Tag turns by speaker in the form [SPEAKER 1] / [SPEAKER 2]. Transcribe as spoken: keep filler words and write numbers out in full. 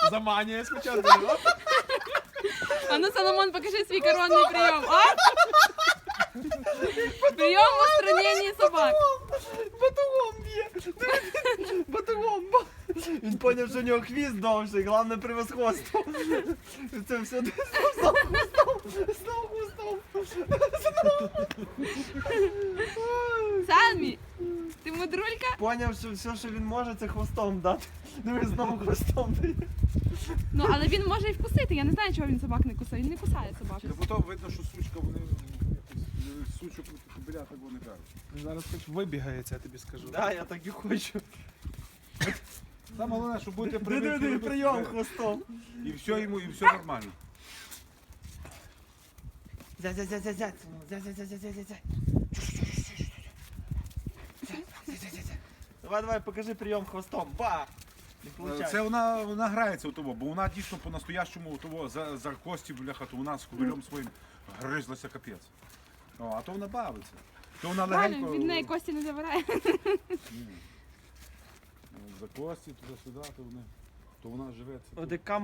[SPEAKER 1] Заманює спочатку.
[SPEAKER 2] А ну, Соломон, покажи свій коронний прийом, а? Прийом в устраненні собак.
[SPEAKER 3] Батугом б'є. Батугом. Він поняв, що у нього хвіст довший, головне превосходство. Це все знов хвостом, знов хвостом.
[SPEAKER 2] Самі, ти мудрулька?
[SPEAKER 3] Поняв, що все, що він може, це хвостом дати. Дивись, знову хвостом дає.
[SPEAKER 2] Ну, але він може і вкусити. Я не знаю, чого він собак не кусає. Він не кусає собак.
[SPEAKER 1] Та потім видно, що сучка, вони якось сучок біля такого не кажуть.
[SPEAKER 4] Зараз хоч вибігається, я тобі скажу.
[SPEAKER 3] Да, я так і хочу.
[SPEAKER 1] Саме головне, щоб бути
[SPEAKER 3] Диви,
[SPEAKER 1] привикли.
[SPEAKER 3] диви, прийом хвостом.
[SPEAKER 1] І все йому, і все нормально.
[SPEAKER 3] Зять, зять, зять, зять, зять. Зять, зять, зять, зять, зять, зять. Зять, зять, зять. Давай, давай, покажи прийом хвостом. Ба! Не
[SPEAKER 1] Це
[SPEAKER 3] получається.
[SPEAKER 1] вона, вона грається у того, бо вона дійсно по-настоящому у того за, за кості, бляха, то вона з кобилем своїм гризлася капець. О, а то вона бавиться. То вона
[SPEAKER 2] Правильно,
[SPEAKER 1] легенько...
[SPEAKER 2] від неї кості не забирає.
[SPEAKER 1] Ні. За кості, туди-сюди, то, вони, то вона живеться.
[SPEAKER 3] Одекам